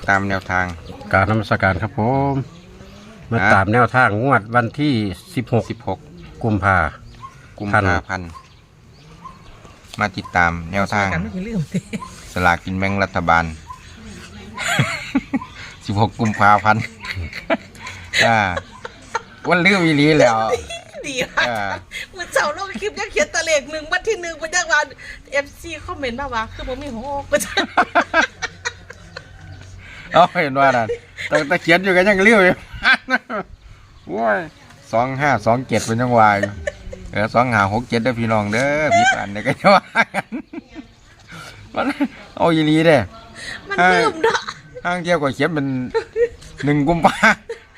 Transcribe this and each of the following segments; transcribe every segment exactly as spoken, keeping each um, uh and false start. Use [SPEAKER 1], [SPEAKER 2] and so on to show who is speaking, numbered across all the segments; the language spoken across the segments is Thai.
[SPEAKER 1] ตามแนวทาง
[SPEAKER 2] การนมัสการครับผมมาตามแนวทางงวดวันที่สิบหก
[SPEAKER 1] สิบหก
[SPEAKER 2] กุมภา
[SPEAKER 1] กุมภาพันธ์มาติดตามแนวทางสลากกินแบ่งรัฐบาลสิบหกกุมภาพันธ์อ่าวันลืมอีหลีแล้ว
[SPEAKER 3] ดีค่ะเมื่อเช้าเราคลิปยังเขียนตะเลขหนึ่งวันที่หนึ่งเป็นยังวันเอฟซีคอมเมนต์มาว่าคือผมมีหัวอกประจ
[SPEAKER 1] เอาเห็นว่านั่นแต่แต่เขียนอยู่กันยังเลี้ยวอยู่ว้ยสองห้าสองเจ็ดเป็นยังวายเออสองห้าหกเจ็ดเด้อพี่น้องเด้อพี่ปานเด้อก็จะว่ากันมันเอาอีหลีเด้
[SPEAKER 3] มันลืมเนาะ
[SPEAKER 1] ห้างเที่ยวก็เขียนเป็นหนึ่งกุมภา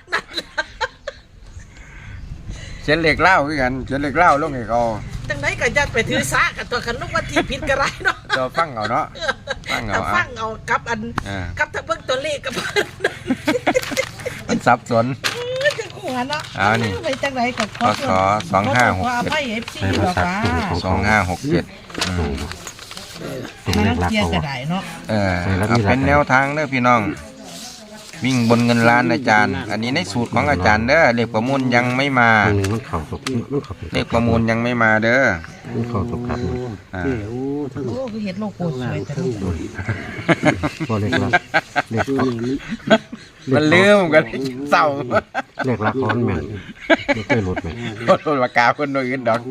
[SPEAKER 1] เขียนเหล็กเล่าคือกันเขียนเหล็กเล่าลงให้เขา
[SPEAKER 3] จังไดก็จะไปถือซากับตัวขันลูกวันที่ผิดกระไรเนาะ
[SPEAKER 1] ตัวฟังเอาเนาะ
[SPEAKER 3] ฟังเอาฟังเอากับอันกับทั้งเบิ่งตัวเลขกับ
[SPEAKER 1] มันสับสน
[SPEAKER 3] จังหัวเนาะ
[SPEAKER 1] อ้าวนี่
[SPEAKER 3] ไปจังไดก็ขอ
[SPEAKER 1] ขอสองห้าหกเจ็ดสองห้าหกเจ็ด
[SPEAKER 3] มันเกียร์กระไดเนาะ
[SPEAKER 1] เออเป็นแนวทางเด้อพี่น้องวิ่งบนเงินล้านอาจารย์อันนี้ในสูตรของอาจารย์เด้อเลขประมูลยังไม่มาเลขประมูลยังไม่มาเด้อ
[SPEAKER 2] เขาตกครับ
[SPEAKER 3] อ่าโอ้คือเห็ดโลโก้สวยแต่
[SPEAKER 2] พอเล็กละเล็ก
[SPEAKER 1] มันลืมกันเศร้า
[SPEAKER 2] เล็กละครแม่นไม่เคยหลุดแม่น
[SPEAKER 1] หลุดปากกาคนโดยอื่นดอก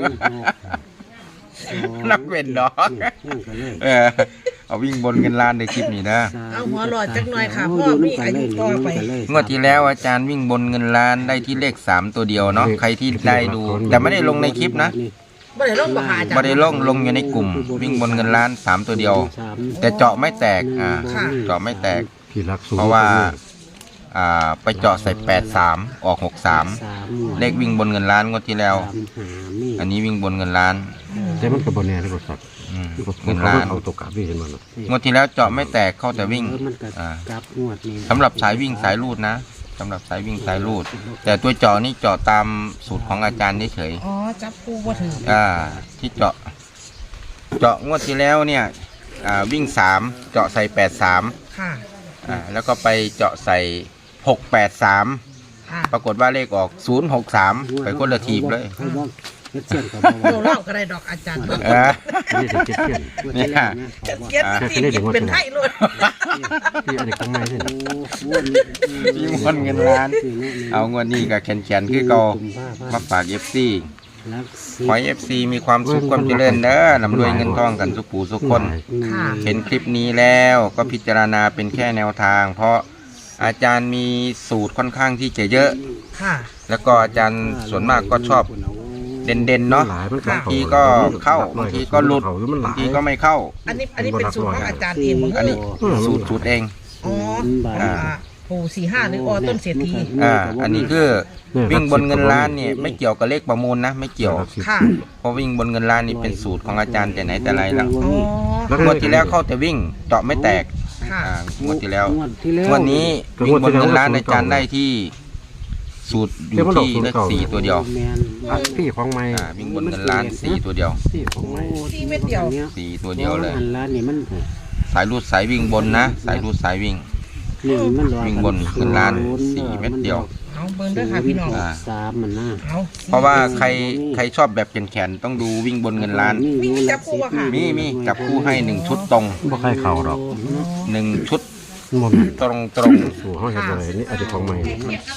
[SPEAKER 1] นักเว้นดอกเออเอาวิ่งบนเงินล้านในคลิปนี้นะ
[SPEAKER 3] เอาหัวหลอดจักหน่อยค่ะพ่อมีอายุต่อไป
[SPEAKER 1] งวดที่แล้วอาจารย์วิ่งบนเงินล้านได้ที่เลขสามตัวเดียวเนาะใครที่ได้ดูแต่ไม่ได้ลงในคลิปนะ
[SPEAKER 3] ไม่ได้ลงบ่หาจ้ะ
[SPEAKER 1] ไม่ได้ลงลงอยู่ในกลุ่มวิ่งบนเงินล้านสามตัวเดียวแต่เจาะไม่แตกอ่าเจาะไม่แตกเพราะว่าอ่าไปเจาะใส่แปดสามออกหกสามเลขวิ่งบนเงินล้านงวดที่แล้วอันนี้วิ่งบนเงินล้าน
[SPEAKER 2] แต่มันกับบนแน่ที่บริษัท
[SPEAKER 1] เงินล้าน
[SPEAKER 2] เอาตกกลับวิ่งกันมาง
[SPEAKER 1] วดที่แล้วเจาะไม่แตกเข้าแต่วิ่งสำหรับสายวิ่งสายรูดนะสำหรับสายวิ่งสายรูดแต่ตัวเจาะนี่เจาะตามสูตรของอาจารย์เฉย
[SPEAKER 3] อ๋อจับปูว่าถือ
[SPEAKER 1] อ่าที่เจาะเจาะงวดที่แล้วเนี่ยอ่าวิ่งสามเจาะใส่แปดสาม
[SPEAKER 3] ค่ะ
[SPEAKER 1] อ่าแล้วก็ไปเจาะใส่หกแปดสามปรากฏว่าเลขออกศูนย์หกสามไปคนละทีบเลย
[SPEAKER 3] เราเล่ากันได้ดอกอาจารย์
[SPEAKER 1] นี่จะเก็บเงี้ย
[SPEAKER 3] เก็บที่เป็นไทยล้วน
[SPEAKER 2] ที่อะไรข้างในนี่
[SPEAKER 1] ยิ่งคนเงินล้านเอาเงินนี่กับแขนแขนคือเก่ามาฝากเอฟซีขอเอฟซีมีความสุขความเจริญเด้อลำรวยเงินทองกันสุขผู้สุขคนเห็นคลิปนี้แล้วก็พิจารณาเป็นแค่แนวทางเพราะอาจารย์มีสูตรค่อนข้างที่จะเยอะแล้วก็อาจารย์ส่วนมากก็ชอบเด่นๆเนาะบางทีก็เข้าบางทีก็หลุดบางทีก็ไม่เข้า
[SPEAKER 3] อันนี้อันนี้เป็นสูตรของอาจารย์เอง
[SPEAKER 1] อันนี้สูตรสูตรเอง
[SPEAKER 3] อ๋ออ่าโอ้สี่ห้าหรืออ๋อต้นเศรษฐี
[SPEAKER 1] อ่าอันนี้คือวิ่งบนเงินล้านเนี่ยไม่เกี่ยวกับเลขประมูลนะไม่เกี่ยวเพราะวิ่งบนเงินล้านนี่เป็นสูตรของอาจารย์แต่ไหนแต่ไรแล้วงวดที่แล้วเข้าแต่วิ่งเจาะไม่แตกงวดที่แล้วงวดนี้วิ่งบนเงินล้านอาจารย์ได้ที่สูตรอยู่ที่เลขสี่ตัวเดียว
[SPEAKER 2] สี่ของไม้
[SPEAKER 1] วิ่งบนเงินล้านสี่ตัวเดียว
[SPEAKER 3] สี่เม็ดเดียว
[SPEAKER 1] สี่ตัวเดียวเลยสายรูดสายวิ่งบนนะสายรูดสายวิ่งวิ่งบนเงินล้านสี่เม็ดเดียว
[SPEAKER 3] เอาเบิ้งด้วยค่ะพี่น้อง
[SPEAKER 2] สามมันน่า
[SPEAKER 1] เพราะว่าใครใครชอบแบบแขนๆต้องดูวิ่งบนเงินล้าน
[SPEAKER 3] มีจับคู่ค่ะ
[SPEAKER 1] มีมีจับคู่ให้หนึ่งชุดตรง
[SPEAKER 2] บ่ใครเข่าหรอก
[SPEAKER 1] หนึ่งชุดตรงตรง
[SPEAKER 2] สู่ห้องเห็ดอะไรนี่อาจจะของใหม่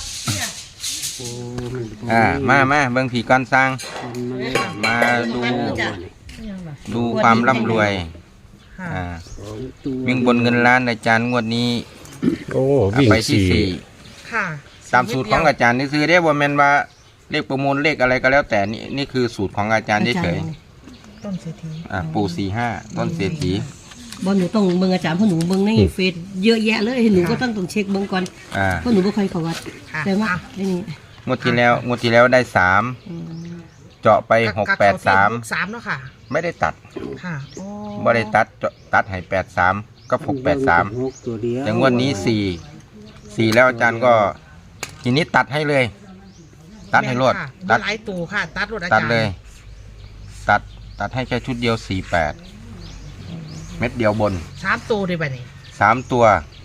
[SPEAKER 1] อ่ามามาเบิ่งผีก้อนสร้างมาดูดูความร่ำรวยอ่าวิ่งบนเงินล้านอาจารย์งวดนี้
[SPEAKER 2] โอ้วิ่ง
[SPEAKER 1] ไปที่สี่
[SPEAKER 3] ค่ะ
[SPEAKER 1] ตามสูตรของอาจารย์นี่คือได้บ่แม่นว่าเลขประมูลเลขอะไรก็แล้วแต่นี่นี่คือสูตรของอาจารย์เฉย
[SPEAKER 3] ๆต้นเศรษฐี
[SPEAKER 1] อ่าปู่สี่ห้าต้นเศรษฐี
[SPEAKER 4] บอลหนูต้องเบิ่งอาจารย์เพราะหนูเบิ่งในเฟซเยอะแยะเลยหนูก็ต้องต้องเช็คเบิ่งก่อนเพราะหนูไม่ค่อยเข้าวัดแต่ว่าได้นี่
[SPEAKER 1] งวดที่แล้วงวดที่แล้วได้สามเจาะไปหกแปดสาม
[SPEAKER 3] สามเนาะค่ะ
[SPEAKER 1] ไม่ได้ตัด
[SPEAKER 3] ค่ะ
[SPEAKER 1] ไม่ได้ตัดตัดให้แปดสามก็หกแปดสามแต่งวดนี้สี่สี่แล้วอาจารย์ก็ทีนี้ตัดให้เลยตัดให้รวด
[SPEAKER 3] ตัดหลายตัวค่ะตัดรวดอาจารย์
[SPEAKER 1] ตัดเลยตัดตัดให้แค่ชุดเดียวสี่แปดเม็ดเดียวบน
[SPEAKER 3] สามตัวได้ป่ะนี่
[SPEAKER 1] สามตัว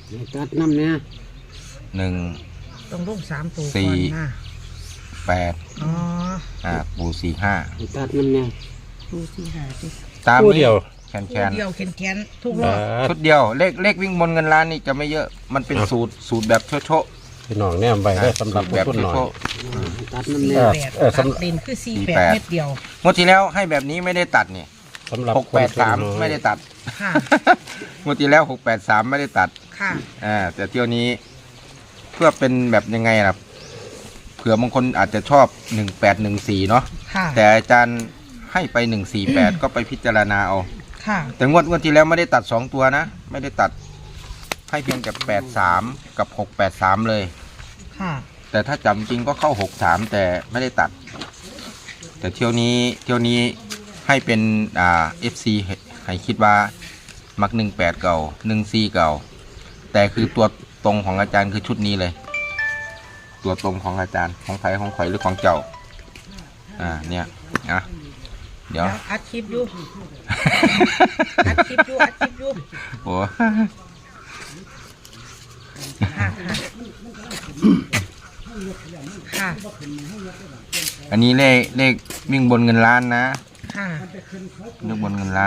[SPEAKER 2] ตัดน้ำเนี่ย
[SPEAKER 1] หนึ่ง
[SPEAKER 3] ต้องลงสามตัว
[SPEAKER 1] สี่
[SPEAKER 3] ก่อนนะ
[SPEAKER 1] แปด
[SPEAKER 3] อ๋อ
[SPEAKER 1] อ่าปูสี่ห้า
[SPEAKER 2] ตัดน้ำเนี่ย
[SPEAKER 4] ดูสิหาสิ
[SPEAKER 1] ตาม
[SPEAKER 2] คู่
[SPEAKER 1] นี้
[SPEAKER 2] เดียว
[SPEAKER 1] แคนแค
[SPEAKER 3] คู่
[SPEAKER 1] น
[SPEAKER 3] เดียวแขนแขนทุกรอบ
[SPEAKER 1] ชุดเดียวเลขเลขวิ่งบนเงินล้านนี่จะไม่เยอะมันเป็นสูตรสูตรแบบโชโช
[SPEAKER 2] พี่น้องเนี่ยใบได้สำหรับ
[SPEAKER 1] แบบ
[SPEAKER 2] ผู้หน่อย
[SPEAKER 1] โช
[SPEAKER 2] ตัด
[SPEAKER 3] สี่
[SPEAKER 2] น้ำเนี่ย
[SPEAKER 3] แปด
[SPEAKER 2] เออ
[SPEAKER 3] ตัด
[SPEAKER 2] สำหรับ
[SPEAKER 3] เลนคือสี่
[SPEAKER 1] สี่
[SPEAKER 3] แป
[SPEAKER 1] แป
[SPEAKER 3] ด
[SPEAKER 1] ด
[SPEAKER 3] เม็ดเดียว
[SPEAKER 1] งวดที่แล้วให้แบบนี้ไม่ได้ตัดเนี่ย
[SPEAKER 2] สำหรับ
[SPEAKER 1] หกแปดสามไม่ได้ตัด
[SPEAKER 3] ค่ะ
[SPEAKER 1] งวดที่แล้วหกแปดสามไม่ได้ตัด
[SPEAKER 3] ค่ะ
[SPEAKER 1] อ่าแต่เที่ยวนี้เพื่อเป็นแบบยังไงล่ะเผื่อบางคนอาจจะชอบหนึ่งแปดหนึ่งสี่เนาะ
[SPEAKER 3] ค่ะ
[SPEAKER 1] แต่อาจารย์ให้ไปหนึ่งสี่แปดก็ไปพิจารณาเอา
[SPEAKER 3] ค่ะ
[SPEAKER 1] แต่งวดงวดที่แล้วไม่ได้ตัดสองตัวนะ ไม่ได้ตัดให้เพียงแต่แปดสามกับหกแปดสามเลย
[SPEAKER 3] ค่ะ
[SPEAKER 1] แต่ถ้าจำจริงก็เข้าหกสามแต่ไม่ได้ตัด แต่เที่ยวนี้เที่ยวนี้ให้เป็นอ่าเอฟซีให้คิดว่ามักหนึ่งแปดเก่าหนึ่งสี่เก่า แต่คือตัวตรงของอาจารย์คือชุดนี้เลย ตัวตรงของอาจารย์ของใครของข่อยหรือของเจ้า อ่าเนี่ยอ่ะเดี๋ยว
[SPEAKER 3] แล้วอัดคลิปอยู่ อัดคลิปอยู่อัดคลิปอยู่
[SPEAKER 1] โอ้
[SPEAKER 3] ค่ะค่ะ
[SPEAKER 1] อันนี้เลขเลขวิ่งบนเงินล้านนะ
[SPEAKER 3] ค่ะ
[SPEAKER 1] เลขบนเงินล้าน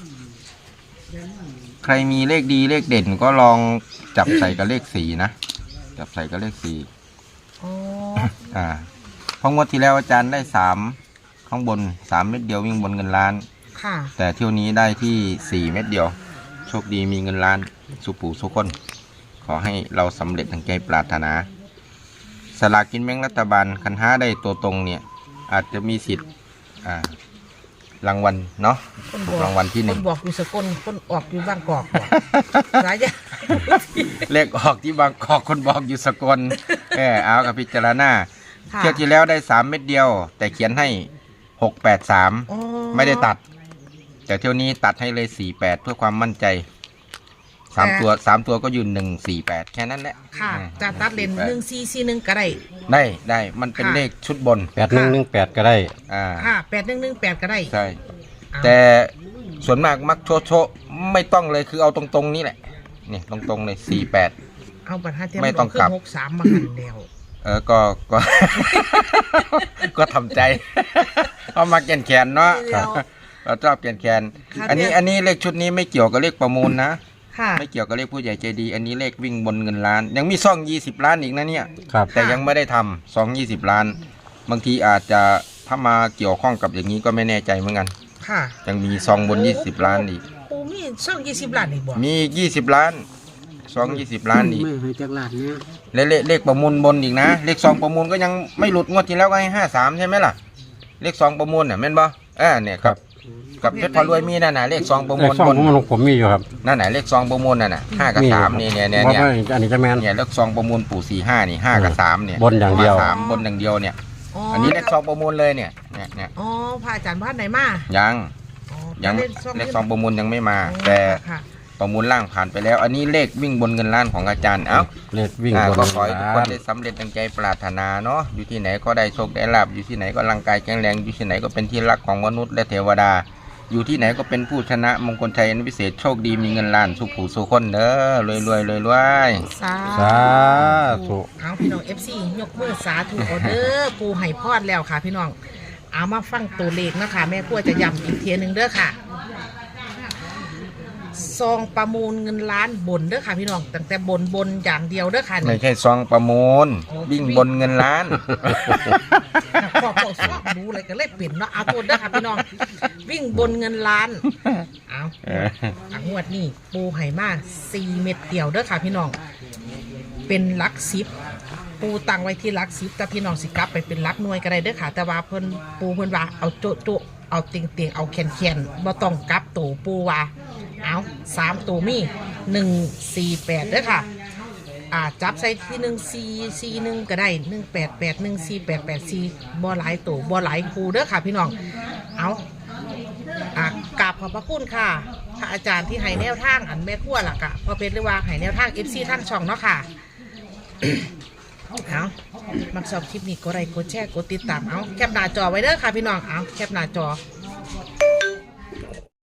[SPEAKER 1] ใครมีเลขดีเลขเด่นก็ลองจับใส่กับเลขสี่นะ จับใส่กับเลขสี่
[SPEAKER 3] อ๋อ
[SPEAKER 1] อ่าเพราะงวดที่แล้วอาจารย์ได้สามข้างบนสามเม็ดเดียววิ่งบนเงินล้าน
[SPEAKER 3] ค่ะ
[SPEAKER 1] แต่เที่ยวนี้ได้ที่สี่เม็ดเดียว โชคดีมีเงินล้านสุปู่สุคน ขอให้เราสำเร็จดังใจปรารถนา สลากกินแบ่งรัฐบาลคันห้าได้ตัวตรงเนี่ย อาจจะมีสิทธิ์อ่ารางวัลเนาะ
[SPEAKER 3] คนบ
[SPEAKER 1] ถู
[SPEAKER 3] อก ก
[SPEAKER 1] รางวัลที่ห
[SPEAKER 3] ค
[SPEAKER 1] นึ่ง
[SPEAKER 3] นบอกอยู่สกลคนออกอยู่บางกอกบอกสายยา
[SPEAKER 1] เลขออกที่บางกอกคนบอกอยู่สกลเออเอากับพิจารณา
[SPEAKER 3] ค่ะ
[SPEAKER 1] เที่ยวที่แล้วได้สามเม็ดเดียว แต่เขียนให้หกแปดสาม
[SPEAKER 3] อ๋อ
[SPEAKER 1] ไม่ได้ตัด แต่เที่ยวนี้ตัดให้เลยสี่แปดเพื่อความมั่นใจสามตัวสามตัวก็ยืนหนึ่งสี่แปดแค่นั้นแหละ
[SPEAKER 3] ค่ะ
[SPEAKER 1] อืม
[SPEAKER 3] จะตัดเลนหนึ่งซีซีหนึ่งก็ได้
[SPEAKER 1] ได้ได้มันเป็น
[SPEAKER 3] ค่ะ
[SPEAKER 1] เลขชุดบน
[SPEAKER 2] แปดหนึ่งหนึ่งแปดก็ได้
[SPEAKER 1] อ่า
[SPEAKER 3] ค่ะแปดหนึ่งหนึ่งแปดก็ได้
[SPEAKER 1] ใช่
[SPEAKER 3] เอา
[SPEAKER 1] แต่ส่วนมากมักโชโชไม่ต้องเลยคือเอาตรงๆนี้แหละนี่ตรงๆเลยสี่แปด
[SPEAKER 3] เอาบัตรห้าเทียม
[SPEAKER 1] ไม่ต้องกลับ
[SPEAKER 3] หกสามมาหันเดียว
[SPEAKER 1] เออก็ก็ ก็ทำใจ เอามาแกนแขนเนาะ
[SPEAKER 3] เดี๋ยว
[SPEAKER 1] เราชอบแกนแขน
[SPEAKER 3] ค่ะ
[SPEAKER 1] อันนี้
[SPEAKER 3] เนี่ย
[SPEAKER 1] อันนี้เลขชุดนี้ไม่เกี่ยวกับเลขประมูลนะ
[SPEAKER 3] ค่ะ
[SPEAKER 1] ไม่เกี่ยวกับเลขผู้ใหญ่ใจดี อันนี้เลขวิ่งบนเงินล้าน ยังมีซ่องยี่สิบล้านอีกนะเนี่ย
[SPEAKER 2] ครับ
[SPEAKER 1] แต่ยังไม่ได้ทำซองยี่สิบล้าน บางทีอาจจะถ้ามาเกี่ยวข้องกับอย่างนี้ก็ไม่แน่ใจเหมือนกัน
[SPEAKER 3] ค่ะ
[SPEAKER 1] ยังมีซองบนยี่สิบล้านอีก
[SPEAKER 3] ปูมีช่องยี่สิบล้านอีกบ่
[SPEAKER 1] มีอีกยี่สิบล้านซองยี่สิบล้านอีก
[SPEAKER 2] ไม่ให้จักรลาดเนี่ย
[SPEAKER 1] และเลขเลขประมูลบนอีกนะ เลขซองประมูลก็ยังไม่หลุดงวดที่แล้วก็ให้ห้าสามใช่ไหมล่ะ เลขซองประมูลเนี่ยแม่นบ่อ่าเนี่ยครับกับเพชรพารวยมีนั่นน่ะเลขซองประ
[SPEAKER 2] เล
[SPEAKER 1] มู
[SPEAKER 2] ข
[SPEAKER 1] ล
[SPEAKER 2] สอง
[SPEAKER 1] บน
[SPEAKER 2] ของผมมีอยู่ครับ
[SPEAKER 1] นั่นน่ะเลขซองประมูลนั่นน่ะห้ากับ
[SPEAKER 2] มี
[SPEAKER 1] สาม
[SPEAKER 2] อยู่
[SPEAKER 1] นี่
[SPEAKER 2] ครับ
[SPEAKER 1] เนี่ยเนี่ย
[SPEAKER 2] ว่า
[SPEAKER 1] เนี่ย
[SPEAKER 2] ไม่อันนี้จะแมน
[SPEAKER 1] เนี่ยเลขซองประมูลปู่สี่ห้านี่ห้ากับสามเนี่ย
[SPEAKER 2] บนอย่างเดียว
[SPEAKER 1] มสามบนอย่างเดียวเนี่ย
[SPEAKER 3] อ๋อ
[SPEAKER 1] อันนี้เลขซองประมูลเลยเนี่ยเนี่ยเนี่ย
[SPEAKER 3] อ๋อพระอาจารย์บ้านไหนมา
[SPEAKER 1] ยัง
[SPEAKER 3] อ๋อ
[SPEAKER 1] ยัง
[SPEAKER 3] เล
[SPEAKER 1] เล
[SPEAKER 3] ข
[SPEAKER 1] ข
[SPEAKER 3] ซ
[SPEAKER 1] ซ
[SPEAKER 3] อ
[SPEAKER 1] อง งประมูลยังไม่มา
[SPEAKER 3] อ๋อ
[SPEAKER 1] แต่
[SPEAKER 3] ค่ะ
[SPEAKER 1] ประมูลล่างผ่านไปแล้ว อันนี้เลขวิ่งบนเงินล้านของอาจารย์เอ้า
[SPEAKER 2] เลขวิ่ง
[SPEAKER 1] อ่า
[SPEAKER 2] บน
[SPEAKER 1] ก็ขอให้ทุกคน
[SPEAKER 2] ร้าน
[SPEAKER 1] ได้สำเร็จดังใจปรารถนาเนาะอยู่ที่ไหนก็ได้โชคได้ลาบอยู่ที่ไหนก็ร่างกายแข็งแรงอยู่ที่ไหนก็เป็นที่รักของมนุษย์และเทวดา อยู่ที่ไหนก็เป็นผู้ชนะมงคลชัยอันพิเศษโชคดีมีเงินล้านสุขผู้สุขคนเด้อรวยรวยรวยรวย
[SPEAKER 3] สา
[SPEAKER 2] สาธุ
[SPEAKER 3] เอาพี่น้อง เอฟ ซี ยกมือสาธุออเดอร์ปูไห่พอดแล้วค่ะพี่น้อง เอามาฟังตัวเลขนะคะแม่กลัวจะย้ำอีกเทียหนึ่งเด้อค่ะ ซองประมูลเงินล้านบนเด้อค่ะพี่น้องตั้งแต่บนบนอย่างเดียวเด้อค่ะ
[SPEAKER 1] ไม่
[SPEAKER 3] นี่
[SPEAKER 1] ใช่ซองประมูลวิ่งบนเงินล้าน
[SPEAKER 3] พอพอสอบรู้เลยก็เลยเปลี่ยนเนาะเอาตัวเด้อค่ะพี่น้อง วิ่งบนเงินล้าน เอา
[SPEAKER 1] เออ
[SPEAKER 3] อ่ะงวดนี้ปูไห่มาสี่เม็ดเดียวเด้อค่ะพี่น้อง เป็นหลักสิบปูตั้งไว้ที่หลักสิบแต่พี่น้องสิกลับไปเป็นหลักหน่วยก็ได้เด้อค่ะ แต่ว่าเพิ่นปูเพิ่นว่าเอาโจะโจะเอาเตียงเตียงเอาแขนแขนบ่ต้องกลับตัวปูว่าเอาสามตัวมีหนึ่งสี่แปดเด้อค่ะ อ่าจับใส่ที่หนึ่งสี่สี่หนึ่งก็ได้หนึ่งแปดแปดหนึ่งสี่แปดแปดสี่บ่หลายตัวบ่หลายคูเด้อค่ะพี่น้องเอาอ่ากราบขอบพระคุณค่ะพระอาจารย์ที่ให้แนวทางอันแม่ขั้วหลักอะพอเป็นเรียกว่าให้แนวทาง เอฟ ซี ทั้งช่องเนาะค่ะ เอามักชอบคลิปนี้กดไลค์กดแชร์กดติดตามเอาแคปหน้าจอไว้เด้อค่ะพี่น้องเอาแคปหน้าจอ